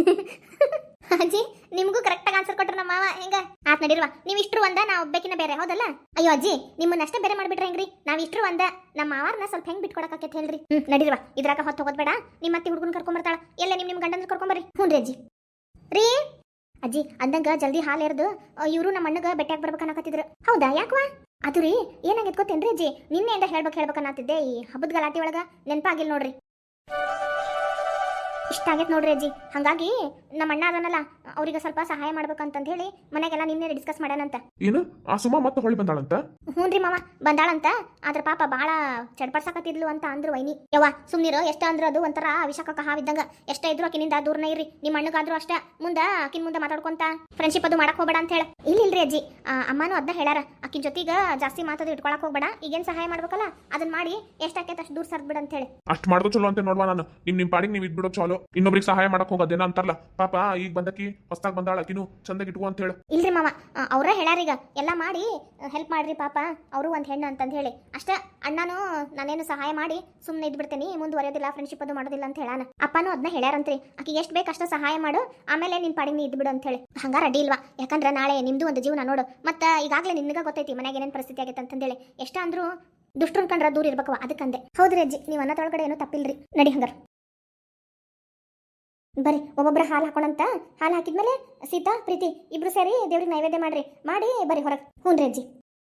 Speaker 3: ಅಜ್ಜಿ, ನಿಮ್ಗೂ ಕರೆಕ್ಟ್ ಆಗಿ ಆನ್ಸರ್ ಕೊಟ್ರ ನಮ್ಮ ಮಾವ. ಹೆಂಗ ಆತ್ ನಡಿರ್ವಾ, ನೀವ್ ಇಷ್ಟ್ರು ಒಂದ, ನಾ ಒಬ್ಬಕಿನ ಬೇರೆ, ಹೌದಲ್ಲ? ಅಯ್ಯೋ ಅಜ್ಜಿ, ನಿಮ್ಮನ್ನ ಅಷ್ಟೇ ಬೇರೆ ಮಾಡ್ಬಿಟ್ರೆ ಹೆಂಗ್ರಿ? ನಾವ್ ಇಷ್ಟ್ರು ಒಂದ, ನಮ್ಮ ಮಾವಾರ್ನ ಸ್ವಲ್ಪ ಹೆಂಗ್ ಬಿಟ್ಕೊಡಕತ್ತೈತಿ ಹೇಳ್ರಿ. ಹ್ಮ್, ನಡಿರ್ವಾ, ಇದ್ರಾಗ ಹೊತ್ತು ಹೋಗೋದ್ ಬೇಡ. ನಿಮ್ಮ ಅತ್ತಿ ಹುಡುಗನ್ ಕರ್ಕೊಂಡ್ ಬರ್ತಾಳ. ಎಲ್ಲ ನಿಮ್ ನಿಮ್ ಗಂಡನ ಕರ್ಕೊಂಬರ್ರಿ. ಹ್ಞೂ ರೀ ಅಜ್ಜಿ. ರೀ ಅಜ್ಜಿ, ಅಂದಂಗ ಜಲ್ದಿ ಹಾಲು ಎರ್ದು ಇವರು ನಮ್ಮ ಅಣ್ಣಗ ಬೆಟ್ಟಾಗ ಬರ್ಬೇಕನ್ನಕತ್ತಿದ್ರು. ಹೌದಾ? ಯಾಕವಾ? ಅದು ರೀ, ಏನಾಗೈತ್ ಗೊತ್ತೇನ್ರಿ ಅಜ್ಜಿ, ನಿನ್ನೆಯಿಂದ ಹೇಳ್ಬೇಕು ಹೇಳ್ಬೇಕನ್ನತ್ತಿದ್ದೆ. ಈ ಹಬ್ಬದ ಗಲಾಟಿ ಒಳಗ ನೆನಪಾಗಿಲ್ಲ ನೋಡ್ರಿ. ಇಷ್ಟ ಆಗೈತೆ ನೋಡ್ರಿ ಅಜ್ಜಿ. ಹಾಗಾಗಿ ನಮ್ಮ ಅಣ್ಣ ಅದನ್ನಲ್ಲ ಅವ್ರಿಗೆ ಸ್ವಲ್ಪ ಸಹಾಯ ಮಾಡ್ಬೇಕಂತಂದು ಹೇಳಿ ಮನೆಗೆಲ್ಲ ನಿನ್ನೆ ಡಿಸ್ಕಸ್ ಮಾಡ್ಯಾನಂತ.
Speaker 2: ಏನು ಆ ಸುಮಾ ಮತ್ತೆ ಹೊಳ್ಳಿ ಬಂದಾಳಂತ?
Speaker 3: ಹ್ಞೂ ರೀ ಮಾವ ಬಂದಾಳಂತ. ಆದ್ರ ಪಾಪ ಭಾಳ ಚಡ್ಪಡ್ಸಾಕತ್ತಿದ್ಲು ಅಂತ ಅಂದ್ರು ವೈನಿ. ಯವ್ವ ಸುಮ್ನಿರು, ಎಷ್ಟ ಅಂದ್ರ ಅದು ಒಂಥರ ವಿಷಕ ಹಾವಿದ್ದಂಗ. ಎಷ್ಟ ಇದ್ರು ಆಕಿನಿಂದ ದೂರನೇ ಇರ್ರಿ. ನಿಮ್ಮ ಅಣ್ಣಗಾದ್ರೂ ಅಷ್ಟ ಮುಂದ ಆಕಿನ ಮುಂದೆ ಮಾತಾಡ್ಕೊಂತ ಫ್ರೆಂಡ್ಶಿಪ್ ಅದು ಮಾಡಕ್ ಹೋಗ್ಬೇಡ ಅಂತ ಹೇಳ. ಇಲ್ಲ ಇಲ್ರಿ ಅಜ್ಜಿ, ಅಮ್ಮನೂ ಅದನ್ನ ಹೇಳಾರ. ಆಕಿನ ಜೊತೆಗ ಜಾಸ್ತಿ ಮಾತದು ಇಟ್ಕೊಳಕ್ ಹೋಗ್ಬೇಡ, ಈಗೇನ್ ಸಹಾಯ ಮಾಡ್ಬೇಕಲ್ಲ ಅದನ್ನ ಮಾಡಿ ಎಷ್ಟಾಕೈತೆ ಅಷ್ಟು ದೂರ ಸರ್ದ್ ಬಿಡ ಅಂತ ಹೇಳಿ.
Speaker 2: ಅಷ್ಟ್ ಮಾಡ್ದೋ ಚಲೋ ಅಂತ ನೋಡ್ವಾ ನಾನು. ನಿಮ್ ನಿಮ್ ಪಾಡಿಗೆ ನೀವ್ ಇದ್ಬಿಡೋ ಚಲೋ. ಇನ್ನೊಬ್ರಿಗೆ ಸಹಾಯ ಮಾಡಕ್ ಹೋಗೋದೇನ ಅಂತಾರಲ್ಲ, ಪಾಪ ಈಗ ಬಂದಕಿ ಹೊಸ್ತಾಗ್ ಬಂದಾಳ, ಆಕಿನೂ ಚಂದಾಗಿ ಇಟ್ಕೋ ಅಂತ ಹೇಳು.
Speaker 3: ಇಲ್ರಿ ಮಾವ, ಅವ್ರ ಹೇಳಾರೀಗ ಎಲ್ಲ ಮಾಡಿ ಹೆಲ್ಪ್ ಮಾಡ್ರಿ ಪಾಪ ಅವರು ಒಂದ್ ಹೆಣ್ಣು ಅಂತಂದು ಹೇಳಿ. ಅಷ್ಟ ಅಣ್ಣನೂ ನಾನೇನು ಸಹಾಯ ಮಾಡಿ ಸುಮ್ಮನೆ ಇದ್ಬಿಡ್ತೇನೆ, ಮುಂದುವರೆಯೋದಿಲ್ಲ, ಫ್ರೆಂಡ್ಶಿಪ್ ಅದು ಮಾಡೋದಿಲ್ಲ ಅಂತ ಹೇಳಾನ. ಅಪ್ಪನೂ ಅದನ್ನ ಹೇಳ್ಯಾರಂತ್ರಿ, ಆಕಿಗೆ ಎಷ್ಟು ಬೇಕು ಅಷ್ಟ ಸಹಾಯ ಮಾಡು, ಆಮೇಲೆ ನಿನ್ ಪಾಡಿಗೆ ನೀ ಇದ್ಬಿಡು ಅಂತ ಹೇಳಿ. ಹಂಗಾರ ಅಡ್ಡಿ ಇಲ್ವಾ? ಯಾಕಂದ್ರೆ ನಾಳೆ ನಿಮ್ದು ಒಂದು ಜೀವನ ನೋಡು. ಮತ್ತೆ ಈಗಾಗಲೇ ನಿನ್ಗ ಗೊತ್ತೈತಿ ಮನೆಗೆ ಏನೇನು ಪರಿಸ್ಥಿತಿ ಆಗೈತೆ ಅಂತಂದೇಳಿ. ಎಷ್ಟ ಅಂದ್ರೂ ದುಷ್ಟರನ್ ಕಂಡ್ರ ದೂರ ಇರ್ಬೇಕವ, ಅದಕ್ಕಂದೆ. ಹೌದ್ರಿ ಅಜ್ಜಿ, ನೀವು ಅನ್ನದೊಳಗಡೆ ಏನೂ ತಪ್ಪಿಲ್ರಿ. ನಡಿ ಹಂಗಾರ ಬರ್ರಿ, ಒಬ್ಬೊಬ್ರ ಹಾಲು ಹಾಕೋಣಂತ. ಹಾಲು ಹಾಕಿದ್ಮೇಲೆ ಸೀತಾ ಪ್ರೀತಿ ಇಬ್ರು ಸೇರಿ ದೇವ್ರಿಗೆ ನೈವೇದ್ಯ ಮಾಡ್ರಿ, ಮಾಡಿ ಬರ್ರಿ ಹೊರಗೆ. ಹ್ಞೂ ರೀ ಅಜ್ಜಿ.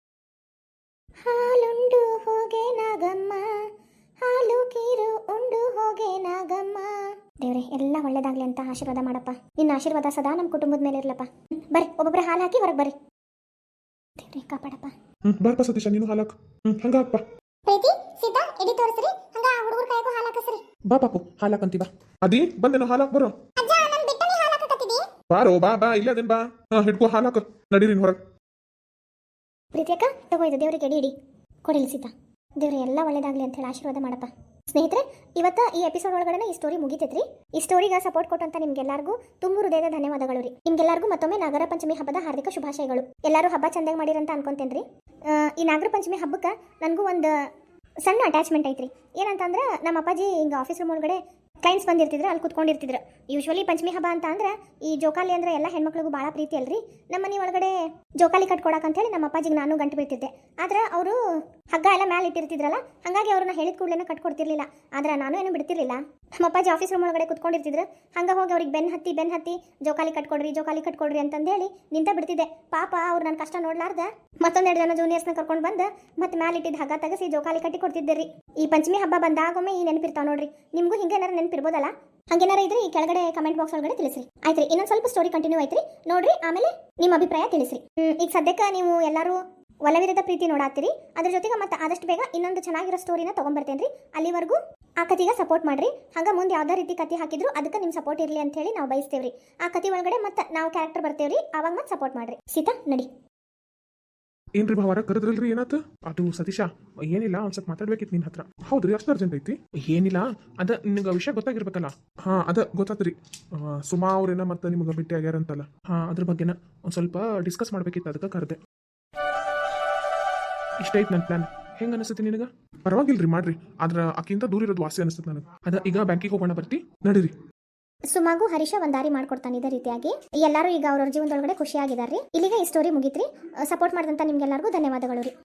Speaker 3: ಹಾಲುಂಡು ಹೋಗೆ ನಾಗಮ್ಮ, ಹಾಲು ಕೀರು ಉಂಡು ಹೋಗೆ ನಾಗಮ್ಮ. ದೇವ್ರೆ ಎಲ್ಲ ಒಳ್ಳೇದಾಗ್ಲಿ ಅಂತ ಆಶೀರ್ವಾದ ಮಾಡಪ್ಪ. ನಿನ್ನ ಆಶೀರ್ವಾದ ಸದಾ ನಮ್ಮ ಕುಟುಂಬದ ಮೇಲೆ ಇರ್ಲಪ್ಪ. ಬರ್ರಿ ಒಬ್ಬೊಬ್ರ ಹಾಲು ಹಾಕಿ ಹೊರಗೆ ಬರ್ರಿ. ದೇವ್ರೆ ಕಾಪಾಡಪ್ಪ.
Speaker 2: ಹ್ಮ್ ಬಾರಪ್ಪ ಸತೀಶ, ನೀನು ಹಾಲಾಕ್. ಹ್ಮ್ ಹಂಗ ಹಾಕ್ಪ.
Speaker 3: ಪ್ರೀತಿ ಸೀತಾ ಎಡಿ ತೋರಿಸ್ರಿ, ಹಂಗ ಹುಡುಗರ ಕೈಗೂ ಹಾಲು ಹಾಕಸ್ರಿ.
Speaker 2: ಬಾ ಪಾಪು ಹಾಲಾಕಂತಿ ಬಾ. ಅದಿ ಬಂದೇನೋ ಹಾಲಾಕ್ ಬರೋ.
Speaker 3: ಅಜ್ಜ ನನ್ನ ಬಿಟ್ಟು ನೀ ಹಾಲು ಹಾಕಕತ್ತಿದಿ?
Speaker 2: ಬಾರೋ ಬಾ ಬಾ, ಇಲ್ಲೇ ಅದೇನ್ ಬಾ. ಹಾ ಹಿಡ್ಕೋ ಹಾಲಾಕ, ನಡೀರಿ ಹೊರಗೆ.
Speaker 3: ಪ್ರೀತಿ ಅಕ್ಕ ತಗೋ, ಇದು ದೇವ್ರಿಗೆ ಎಡಿ ಇಡಿ ಕೊಡಿಲಿ ಸೀತಾ. ದೇವ್ರೆ ಎಲ್ಲ ಒಳ್ಳೇದಾಗ್ಲಿ ಅಂತ ಹೇಳಿ ಆಶೀರ್ವಾದ ಮಾಡಪ್ಪ. ಸ್ನೇಹಿತರೆ, ಇವತ್ತ ಈ ಎಪಿಸೋಡ್ ಒಳಗಡೆ ಈ ಸ್ಟೋರಿ ಮುಗಿತೈತ್ರಿ. ಈ ಸ್ಟೋರಿಗೆ ಸಪೋರ್ಟ್ ಕೊಟ್ಟಂತ ನಿಮ್ಗೆಲ್ಲರಿಗೂ ತುಂಬ ಹೃದಯದ ಧನ್ಯವಾದಗಳು ರೀ. ನಿಮ್ಗೆಲ್ಲರಿಗೂ ಮತ್ತೊಮ್ಮೆ ನಾಗರ ಪಂಚಮಿ ಹಬ್ಬದ ಹಾರ್ದಿಕ ಶುಭಾಶಯಗಳು. ಎಲ್ಲರೂ ಹಬ್ಬ ಚಂದಾಗಿ ಮಾಡಿರಂತ ಅನ್ಕೊಂತೇನ್ರಿ. ಈ ನಾಗರ ಪಂಚಮಿ ಹಬ್ಬಕ್ಕೆ ನನಗೂ ಒಂದು ಸಣ್ಣ ಅಟ್ಯಾಚ್ಮೆಂಟ್ ಐತ್ರಿ. ಏನಂತಂದ್ರೆ ನಮ್ಮ ಅಪ್ಪಾಜಿ ಹಿಂಗೆ ಆಫೀಸ್ ರೂಮ್ ಒಳಗಡೆ ಕ್ಲೈಂಟ್ಸ್ ಬಂದಿರ್ತಿದ್ರು, ಅಲ್ಲಿ ಕುತ್ಕೊಂಡಿರ್ತಿದ್ರು. ಯೂಶ್ವಲಿ ಪಂಚಮಿ ಹಬ್ಬ ಅಂತ ಅಂದ್ರೆ ಈ ಜೋಕಾಲಿ ಅಂದ್ರೆ ಎಲ್ಲ ಹೆಣ್ಮಕ್ಳಿಗೂ ಭಾಳ ಪ್ರೀತಿ ಅಲ್ರಿ. ನಮ್ಮ ಮನೆ ಒಳಗಡೆ ಜೋಕಾಲಿ ಕಟ್ಕೊಡಕ್ಕೆ ಹೇಳಿ ನಮ್ಮ ಅಪ್ಪಾಜಿಗೆ ನಾನು ಗಂಟು ಬೀಳ್ತಿದ್ದೆ. ಆದ್ರೆ ಅವರು ಹಗ್ಗ ಎಲ್ಲ ಮ್ಯಾಲೆ ಇಟ್ಟಿರ್ತಿದ್ರಲ್ಲ, ಹಾಗಾಗಿ ಅವ್ರನ್ನ ಹೇಳಿದ ಕೂಡಲೇ ಕಟ್ಕೊಡ್ತಿರ್ಲಿಲ್ಲ. ಆದ್ರೆ ನಾನು ಏನು ಬಿಡ್ತಿರ್ಲಿಲ್ಲ. ನಮ್ಮ ಅಪ್ಪಾಜಿ ಆಫೀಸ್ ರೂಮ್ ಒಳಗಡೆ ಕುತ್ಕೊಂಡಿರ್ತಿದ್ರು, ಹಂಗೆ ಹೋಗಿ ಅವ್ರಿಗೆ ಬೆನ್ ಹತ್ತಿ ಬೆನ್ ಹತ್ತಿ ಜೋಕಾಲಿ ಕಟ್ಕೊಡ್ರಿ ಜೋಕಾಲಿ ಕಟ್ಕೊಡ್ರಿ ಅಂತಂದು ಹೇಳಿ ನಿಂತ ಬಿಡ್ತಿದ್ದೆ. ಪಾಪ ಅವ್ರು ನನ್ನ ಕಷ್ಟ ನೋಡ್ಲಾರ್ದ ಮತ್ತೊಂದೆರಡು ಜನ ಜೂನಿಯರ್ಸ್ನ ಕರ್ಕೊಂಡು ಬಂದು ಮತ್ತೆ ಮ್ಯಾಲೆ ಇಟ್ಟಿದ್ದು ಹಗ್ಗ ತೆಗೆಸಿ ಜೋಕಾಲಿ ಕಟ್ಟಿ ಕೊಡ್ತಿದ್ದೆ ರೀ. ಈ ಪಂಚಮಿ ಹಬ್ಬ ಬಂದಾಗೊಮ್ಮೆ ಈ ನೆನಪಿರ್ತಾವ ನೋಡ್ರಿ. ನಿಮಗೂ ಹಿಂಗೇನಾರ ನೆನಪಿರ್ಬೋದಲ್ಲ? ಹಂಗೇನಾರ ಇದ್ರೆ ಈ ಕೆಳಗಡೆ ಕಮೆಂಟ್ ಬಾಕ್ಸ್ ಒಳಗಡೆ ತಿಳಿಸ್ರಿ. ಆಯ್ತ್ರಿ, ಇನ್ನೊಂದು ಸ್ವಲ್ಪ ಸ್ಟೋರಿ ಕಂಟಿನ್ಯೂ ಐತ್ರಿ, ನೋಡ್ರಿ ಆಮೇಲೆ ನಿಮ್ಮ ಅಭಿಪ್ರಾಯ ತಿಳಿಸ್ರಿ. ಈಗ ಸದ್ಯಕ್ಕೆ ನೀವು ಎಲ್ಲರೂ ಒಲವಿರದ ಪ್ರೀತಿ ನೋಡಾತ್ತೀರಿ. ಅದ್ರ ಜೊತೆಗೆ ಮತ್ತೆ ಆದಷ್ಟು ಬೇಗ ಇನ್ನೊಂದು ಚೆನ್ನಾಗಿರೋ ಸ್ಟೋರಿನ ತೊಗೊಂಬರ್ತೇನ್ರಿ. ಅಲ್ಲಿವರೆಗೂ ಆ ಕತಿಗೆ ಸಪೋರ್ಟ್ ಮಾಡ್ರಿ. ಹಂಗ ಮುಂದೆ ಯಾವ್ದೇ ರೀತಿ ಕತಿ ಹಾಕಿದ್ರು ಅದಕ್ಕೆ ನಿಮ್ಮ ಸಪೋರ್ಟ್ ಇರಲಿ ಅಂತ ಹೇಳಿ ನಾವು ಬಯಸ್ತೇವ್ರಿ. ಆ ಕತಿ ಒಳಗಡೆ ಮತ್ತೆ ನಾವು ಕ್ಯಾರೆಕ್ಟರ್ ಬರ್ತೇವ್ರಿ, ಅವಾಗ ಮತ್ತೆ ಸಪೋರ್ಟ್ ಮಾಡ್ರಿ. ಸೀತಾ ನಡಿ.
Speaker 2: ಏನ್ರಿ ಭಾವಾರ ಕರೆದ್ರಲ್ರಿ, ಏನಾತ?
Speaker 1: ಅದು ಸತೀಶ, ಏನಿಲ್ಲ ಒಂದ್ ಸ್ವಲ್ಪ ಮಾತಾಡ್ಬೇಕಿತ್ತು ನಿನ್ನ ಹತ್ರ.
Speaker 2: ಹೌದ್ರಿ, ಅಷ್ಟು ಅರ್ಜೆಂಟ್ ಐತಿ?
Speaker 1: ಏನಿಲ್ಲ, ಅದ ನಿನಗೆ ವಿಷಯ ಗೊತ್ತಾಗಿರ್ಬೇಕಲ್ಲ.
Speaker 2: ಹಾ ಅದ ಗೊತ್ತಾತ್ರಿ. ಸುಮಾ ಅವ್ರೇನ ಮತ್ತೆ ನಿಮ್ಗೆ ಭೇಟಿ ಆಗ್ಯಾರಂತಲ್ಲ.
Speaker 1: ಹಾ, ಅದ್ರ ಬಗ್ಗೆನ ಒಂದ್ ಸ್ವಲ್ಪ ಡಿಸ್ಕಸ್ ಮಾಡ್ಬೇಕಿತ್ತು, ಅದಕ್ಕೆ ಕರೆದೆ. ಇಷ್ಟ ಐತ್ ನನ್ನ ಪ್ಲಾನ್. ಹೆಂಗ ಅನಿಸುತ್ತೆ ನಿನಗ?
Speaker 2: ಪರವಾಗಿಲ್ರಿ, ಮಾಡ್ರಿ. ಆದ್ರ ಆಕಿಂತ ದೂರ ಇರೋದು ವಾಸಿ ಅನಿಸ್ತದೆ ನನಗೆ.
Speaker 1: ಅದ ಈಗ ಬ್ಯಾಂಕಿಗೆ ಹೋಗೋಣ, ಬರ್ತಿ?
Speaker 2: ನಡೀರಿ.
Speaker 3: ಸುಮಾಗು ಹರೀಶ ಒಂದ್ ದಾರಿ ಮಾಡ್ಕೊಡ್ತಾನೆ ಇದೇ ರೀತಿಯಾಗಿ. ಎಲ್ಲರೂ ಈಗ ಅವ್ರವ್ರ ಜೀವನದೊಳಗಡೆ ಖುಷಿಯಾಗಿದ್ದಾರೆ. ಇಲ್ಲಿಗೆ ಈ ಸ್ಟೋರಿ ಮುಗಿತ್ರಿ. ಸಪೋರ್ಟ್ ಮಾಡಿದಂತ ನಿಮ್ಗೆಲ್ಲರಿಗೂ ಧನ್ಯವಾದಗಳು ರೀ.